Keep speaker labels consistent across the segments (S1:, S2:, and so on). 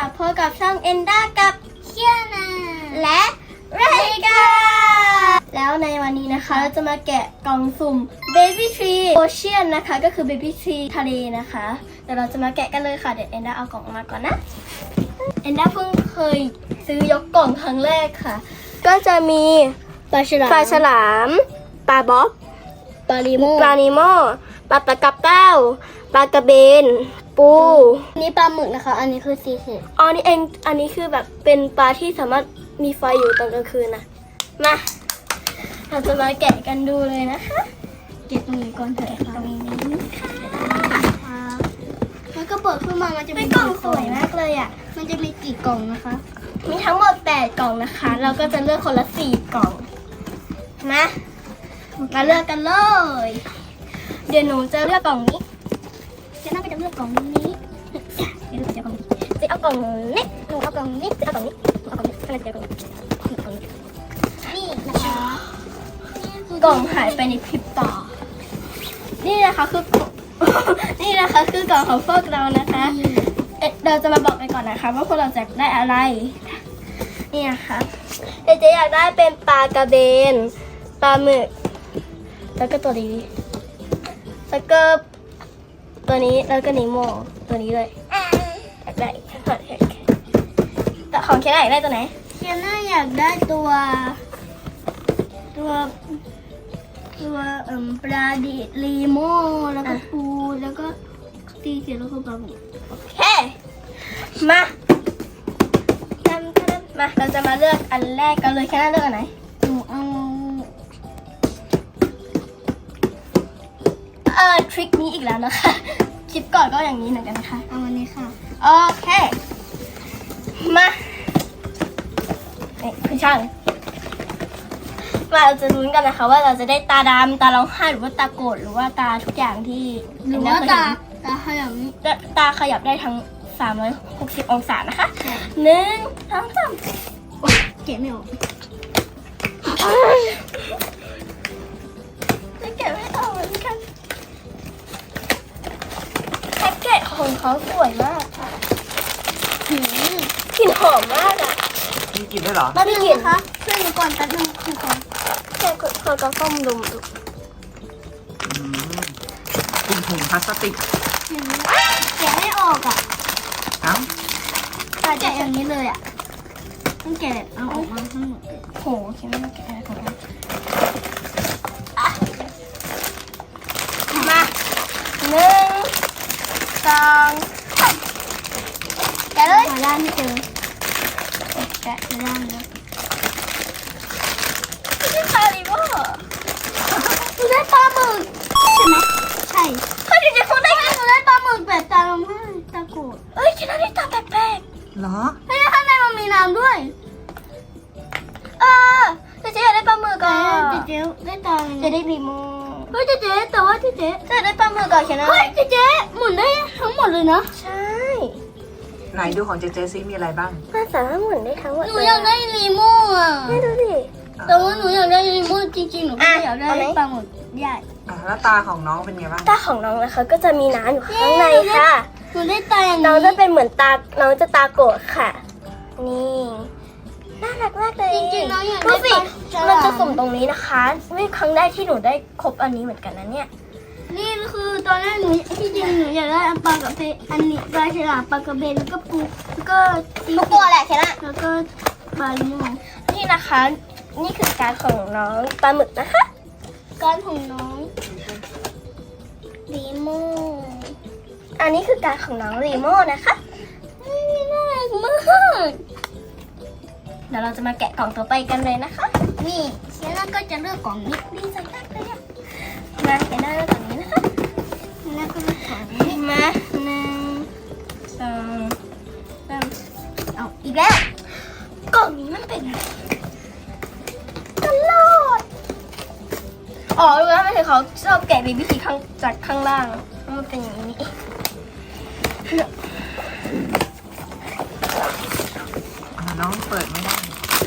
S1: พบกับช่องเอนด้ากับเคียนาและไรกาแล้วในวันนี้นะคะเราจะมาแกะกล่องสุ่ม Baby Tree Ocean นะคะก็คือ Baby Tree ทะเลนะคะเดี๋ยวเราจะมาแกะกันเลยค่ะเดี๋ยวเอนด้าเอากล่องมาก่อนนะเอนด้าเพิ่งเคยซื้อยกกล่องครั้งแรกค่ะก็จะมีปลาฉลามปลาบ๊อบปลานิโมปลาตะกับเต้าปลากระเบนปู
S2: นี่ปลาหมึกนะคะอันนี้คือซีเค็ด
S1: อ๋อนี่เองอันนี้คือแบบเป็นปลาที่สามารถมีไฟอยู่ตอนกลางคืนนะมาเราจะมาแกะกันดูเลยนะคะ
S2: เก็บตรงนี้ก่อนเถอะค่ะ
S1: ตรงนี้
S2: ค่ะแล้วก็เปิดขึ้นมามันจะมี
S1: กล่องสวยมากเลยอ่ะ
S2: มันจะมีกี่กล่องนะคะ
S1: มีทั้งหมด8กล่องนะคะเราก็จะเลือกคนละ4กล่องมาเลือกกันเลยเดี๋ยวหนูจะเลือกกล่องนี้เจ๊น่าก็จะเลือกกล่องนี้เดี๋ยวจะเอากล่องนี้เจ๊เอากล่องนี้หนูเอากล่องนี้เจ๊เอากล่องนี้เอากล่องนี้อะไรเจ๊เอากล่องนี้
S2: นี่นะคะ
S1: กล่องหายไปในพริบตานี่นะคะคือกล่องของพวกเรานะคะเราจะมาบอกไปก่อนนะคะว่าพวกเราจะได้อะไรนี่นะคะเจ๊อยากได้เป็นปลากระเบนปลาหมึกแล้วก็ตัวนี้แล้วก็ตัวนี้แล้วก็นิโมตัวนี้เลยอยากได้แต่ของเคนอยากได้ตัวไหน
S2: เคียน่าอยากได้ตัวปลาดิลีโมแล้วก็ปูแล้วก็ตีเสร็จแล้วก็ปลาหมึก
S1: โอเคมาเราจะมาเลือกอันแรกกันเลยแค่นั้นเลือกอันไหน
S2: หนูเอา
S1: ทริคนี้อีกแล้วนะคะคลิปก่อนก็อย่างนี้เหมือนกันนะคะ
S2: เอาอันนี้ค่ะ
S1: โอเคมาคือช่างเราจะลุ้นกันนะคะว่าเราจะได้ตาดำตาร้องไห้หรือว่าตาโกรธหรือว่าตาทุกอย่างที่
S2: หรือว่าตาขยับนี้
S1: ตาขยับได้ทั้ง360องศานะคะ1 2 3
S2: เก็บไม่ออก
S1: จะเก็บไม่ออกเหมือนกันแพ็กเกจของเขาสวยมากค่ะกลิ่นหอมมากอ่ะ
S3: มีกลิ่นด้วยเหรอ
S1: ไม่กลิ่นคะ
S2: ช่วยหนูก่อนแป๊บนึงก่อน
S1: แค่คนก็ส้มดมดู
S3: กลิ่นถุงพลาสติก
S2: แกะไม่ออกอ่ะ
S3: เอ้า
S2: แกะอย่างนี้เลยอ่ะต้องแกะเอาออกมาทั้งหมด
S1: โหคิดว่าแกะอะไรของมันมา1 2 3แกะเลย
S2: หาด้านไม่เจอ
S1: แกะ
S2: หาด้านแล้ว
S1: นี่คาริโม่
S2: หนูได้ปลาหมึกใช่ไหมใช่
S1: เฮ้ยจะพูดได้ไง
S2: หนูได้ปลาหมึกแบบตาลมให้ตาโกรธ
S1: เอ้ยฉันได้ตาแปลก
S3: เหรอ
S2: เฮ้ยข้างในมันมีน้ำด้วย
S1: เจ๊อยากได้ปลาหมึกก่อน
S2: เจ๊ได้ตา
S1: จะได้รีโม
S2: เฮ้ยเจ๊แต่ว่าเจ๊
S1: ได้ปลาหมึกก่อนแค่นั้น
S2: เฮ้ยเจ๊หมุนได้ทั้งหมดเลยนะ
S1: ใช่
S3: ไหนดูของเจซิมีอะไรบ้าง
S1: น่าสามารถหมุนได้ทั้งหมด
S2: หนูอยากได้รีโม่อะ
S1: ให้ดูดิ
S2: แต่ว่าหนูอยากได้รีโม่จริงๆหนูไม่อยากได้ปลาหมึกใหญ่
S3: แล้วตาของน้องเป็นไงบ้าง
S1: ตาของน้องนะคะก็จะมีน้ำอยู่ข้างในค่ะ
S2: หนูได้ตาอย่างนี้
S1: น้องจะเป็นเหมือนตาน้องจะตาโกรธค่ะนี่น่ารักมากเลย
S2: จริงๆน้องอยาก
S1: ดูสิ
S2: ได้
S1: มันจะสุ่มตรงนี้นะคะนี่ครั้งแรกที่หนูได้ครบอันนี้เหมือนกันนะเนี่ย
S2: นี่คือตอนแรกหนูที่จริงหนูอยากได้ปลากระเบนอันนี้ปลาฉลามปลากระเบนแล้วก็ปูแล้วก็
S1: ทุกตัวแหละแค่นั้น
S2: แล้วก็ปลาลิโม
S1: นี่นะคะนี่คือการของน้องปลาหมึกนะคะ
S2: การของน้องลิโม
S1: อันนี้คือการของน้องรีโมนะคะ
S2: น่ารักมาก
S1: เดี๋ยวเราจะมาแกะกล่องต่อไปกันเลยนะคะ
S2: นี่เชียร์ก็จะเลือกกล่องนี้
S1: ดีใจมากเลยอะมาแกะได้แล้วกล่องนี้นะคะ
S2: แล้วก็เลือกกล่องนี้
S1: มา1 2 3เอาอีกแล้วกล่องนี้มันเป็นกระโหลกอ๋อรู้แล้วไม่ใช่เขาชอบแกะบีบีทีจากข้างล่างมันเป็นอย่างนี้
S3: น้องเปิดไม่ได้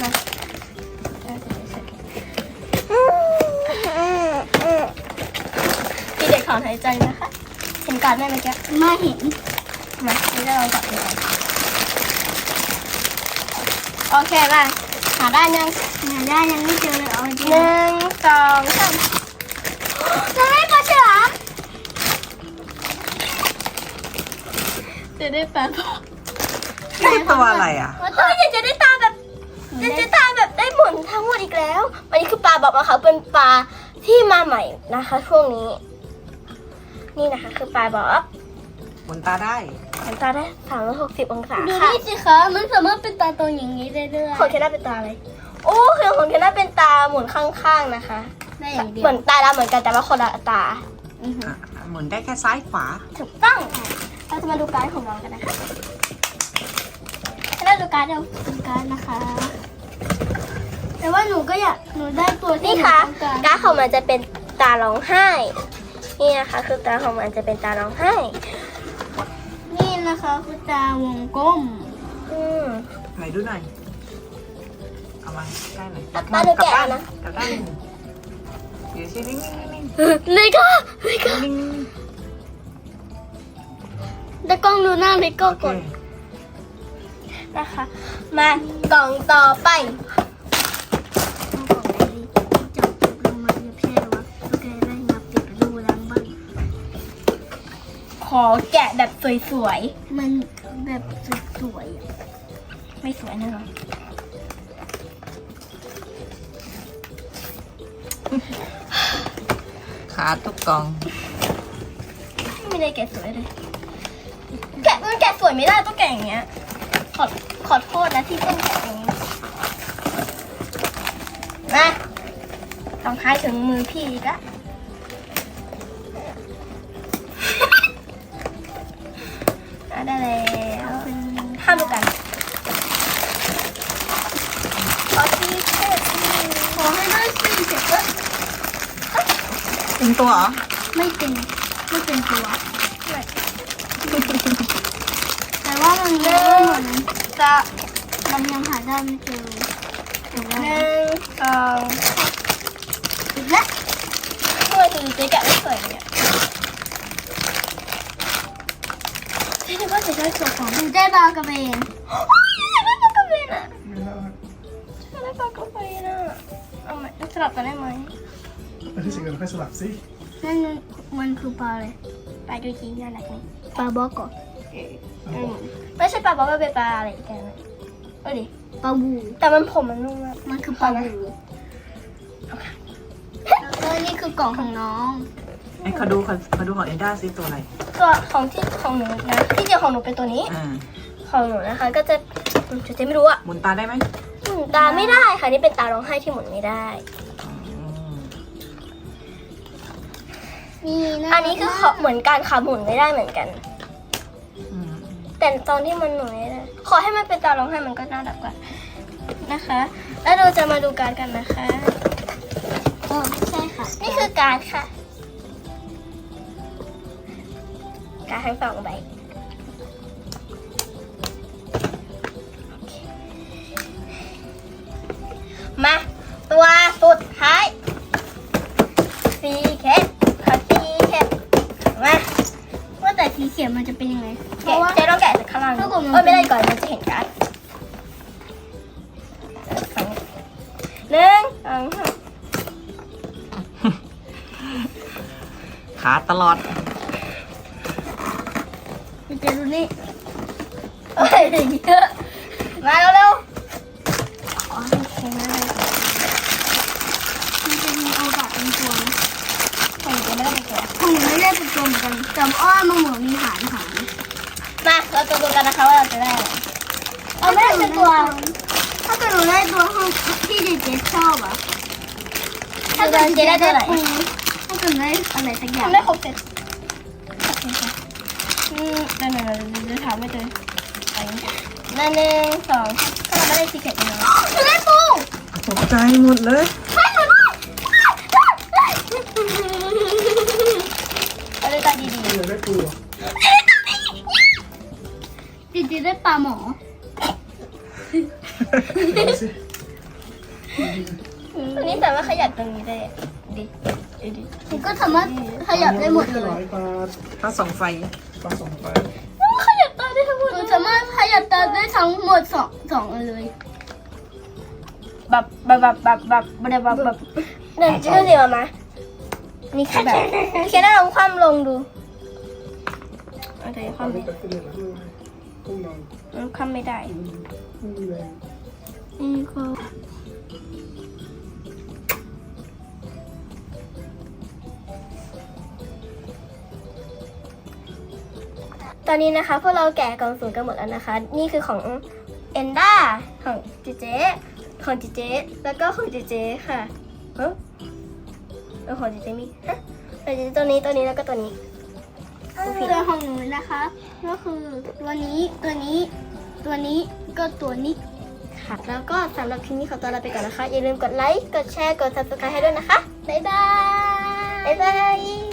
S1: พี่เด็กถอนหายใจนะคะเห็นการ์ดไหมเมื่อกี้
S2: ไม่เห็น
S1: มาไม่ได้ลองจับดูก่อนโอเคมาหาได้ยัง
S2: เนี่ยได้ยังไม่เจอเลยเอาจริง
S1: หนึ่งสองสาม
S2: จะได้ปลาฉลาม
S1: จะได้ปลา
S3: นี่ตัวอะไรอ่ะ
S1: เฮ้ยจะได้ตาแบบจะตาแบบได้หมุนทั้งหมดอีกแล้วอันนี้คือปลาบอกนะคะเป็นปลาที่มาใหม่นะคะช่วงนี้ นี่นะคะคือปลาบอก
S3: หมุนตาได้
S1: หันตาได้360องศา
S2: ดู
S1: ค่ะ
S2: นี่สิคะมันสามารถเป็นตาโตอย่างนี้ได้ด้วย
S1: ของเทน่าเป็นตาอะไรโอ้คือของเทน่าเป็นตาหมุนข้างๆนะคะ
S2: ได้อย่างเดียว
S1: เหมือนตาดำเหมือนกันแต่ว่าคนละตา
S3: อ่ะหมุนได้แค่ซ้ายขวา
S1: ถูกต้องเราจะมาดูการ์ดของน้องกันนะคะให้เราดูการ์ดเดี๋ยว
S2: เป็นการดนะคะ แต่ว่าหนูก็อยากหนูได้ตัวที่
S1: นี่
S2: หนู
S1: ค่ะ
S2: ต้องการ
S1: การ์ดของมันจะเป็นตาร้องไห้ นี่นะคะ คือตาของมันจะเป็นตาร้องไห้
S2: นี่นะคะคือตาวงกลม
S1: อืม
S3: ไหนดูหน่อย เอามาใกล้หน่อย
S1: ตาดูแกะนะ
S3: กลับด้านเดี๋ยวชินิ่งๆนิ่ง
S1: เลยค่ะเลยค่ะ
S3: ๆนิ่ง
S2: แต่กล้องดูหน้าเล็ก
S3: ๆ
S2: ก็
S3: โอเค
S2: กด
S1: นะคะ มากล่องต่อไป
S2: ต้องกดไหนดีจับลงมาเรียบแช่วะโอเคได้มาปิดดูล้างบ้าง
S1: ขอแกะแบบสวย
S2: มันแบบสวยๆอะ
S1: ๆ ไม่สวยแน่นอน
S3: ขาทุกกอง
S1: ไม่ได้แกะสวยเลย มันแกะสวยไม่ได้ต้องแกะอย่างเงี้ย ขอโทษนะที่ต้องแกะอย่างนี้นะต้องท้ายถึงมือพี่อีกละได้แล้วห้ามดูกันขอที่เช็ด
S2: ขอให้ได้สี่เจ็ดก็
S3: เป็นตัวเหรอ
S2: ไม่เป็นตัว แต่ว่ามันเยอะเหมือน
S1: จะ
S2: มันยังหาได้ไม่เจอแต่ว่า
S1: หนึ่งสอง
S2: อีกแล้ว
S1: ทำไมถึงจะแกะไม่สวยเนี่ยที่นึกว่าจะได้ตัวของ
S2: หนูได้บาร์กระเบน
S1: อยากได้ปลากระเบนอ่ะอยากได้ปลากระเบนอ่ะเอาไหมสลับกันได้ไหม
S4: ไปที่สิ่งอื่นค่อยสลับสิ
S2: นั่นมันคือปลาอะไร
S1: ปลาดูจีน่ารักนี่
S2: ปลาบอกก่อน
S1: ไม่ใช่ปลาบอกว่าเป็นปลาอะไรอีกอย่างนึงเอาดิ
S2: ปลาบู
S1: แต่มันผมมันนุ่มมาก
S2: มันคือปลาบูแล้วนี่คือกล่องของน้อง
S3: ไอ้เขาดูของเอ็นด้าซิตัวอะไร
S1: ตัวของที่ของหนูนะที่จริงของหนูเป็นตัวนี้
S3: อ่า
S1: ของหนูนะคะ ก็จะจะไม่รู้อ่ะ
S3: หมุนตาได้ไหม
S1: หมุนตาไม่ได้ค่ะนี่เป็นตาร้องไห้ที่หมุนไม่ได้
S3: อืม
S2: นี่นะ
S1: อันนี้คือเหมือนการขาหมุนไม่ได้เหมือนกัน
S3: อืม
S1: แต่ตอนที่มันหนุนไม่ได้ขอให้มันเป็นตาร้องไห้มันก็น่ารักกว่านะคะ แล้วเราจะมาดูการดกันนะคะ
S2: ใช่ค่ะ
S1: นี่คือการดค่ะ การดทั้งสองใบโอเคมาตัวสุดท้ายซีเคทค่ะซีเคทมา
S2: ว่าแต่สีเขียวมันจะเป็นยังไง เพ
S1: แกะ
S2: ราะว่า
S1: เจ๊ต้องแกะจากข้างล่าง
S2: ถ้าเกิดมัน
S1: ไม่ได้ก่อนมันจะเห็นการ์ดหนึ่งสองสาม
S3: ขาตลอด
S2: จะดูนี่
S1: เอ้ยเยอะมาเร็วๆอ๋อโอเคนะเลย
S2: มันจะมีโอกาสเป็นตัวนะ
S1: ของเจ๊ไม่ได้ไปแกะ
S2: ของหนูไม่ได้เป็นตัวเหมือนกันแต่อ้อนมันเหมือนมีหาง
S1: มาเราจะดูกันนะคะว่าเราจะได้อะไรเอาไม่ได้เป็นตัว
S2: ถ้าเกิดหนูได้ตัวห้องที่เด็กๆชอบอ่ะ
S1: ถ้าเกิดเจ๊ได้ตัวไหน
S2: ถ้าเกิดได้อะไรสักอย่าง
S1: ทำได้ครบเสร็จโอเคค่ะเดี๋ยวถามไม่เจอไปนั่นหนึ่งสองถ้าเราไม่ได้ซีเกตเลย
S2: หนูได้ปู
S3: ตกใจหมดเลย
S1: เอาเลยตาดี
S4: เดี๋ยวได้ปูอ่ะ
S2: จริงๆได้ปลาหมอ
S4: ดูสิ
S1: ๆตัวนี้แต่ว่าขยับตรงนี้ได้ดิดิ
S2: หนูก็สามารถขยับได้หมดเลย
S4: ร้อยบาท
S3: ถ้าส่องไฟ
S4: ปลาสองไป
S1: ขยับตาได้ทั้งหมด
S2: หนูสามารถขยับตาได้ทั้งหมดสองอันเลย
S1: เนี่ยจะดูสิมานี่คือแบบแค่นั้นลองคว่ำลงดูโอเคค
S4: เอา
S1: ว่ำ
S4: ไปตัดเลือดแล้วด้วยต้องนอน
S1: คว่ำไม่ได้
S4: ไม่มีแรง
S1: นี่ก็ตอนนี้นะคะพวกเราแกะกล่องสุ่มกันหมดแล้วนะคะ นี่คือของเอนด้าของเจเจของเจเจแล้วก็ของเจเจค่ะของเจเจมีฮะตัวนี้แล้วก็ตัวนี้
S2: ส่วนของหนูนะคะ ก็คือตัวนี้ตัวนี้ตัวนี้ก็ตัวนี้
S1: ค่ะแล้วก็สำหรับคลิปนี้ขอตัวลาไปก่อนนะคะ อย่าลืมกดไลค์ กดแชร์ กด subscribe ให้ด้วยนะคะ บ๊ายบาย บ๊ายบาย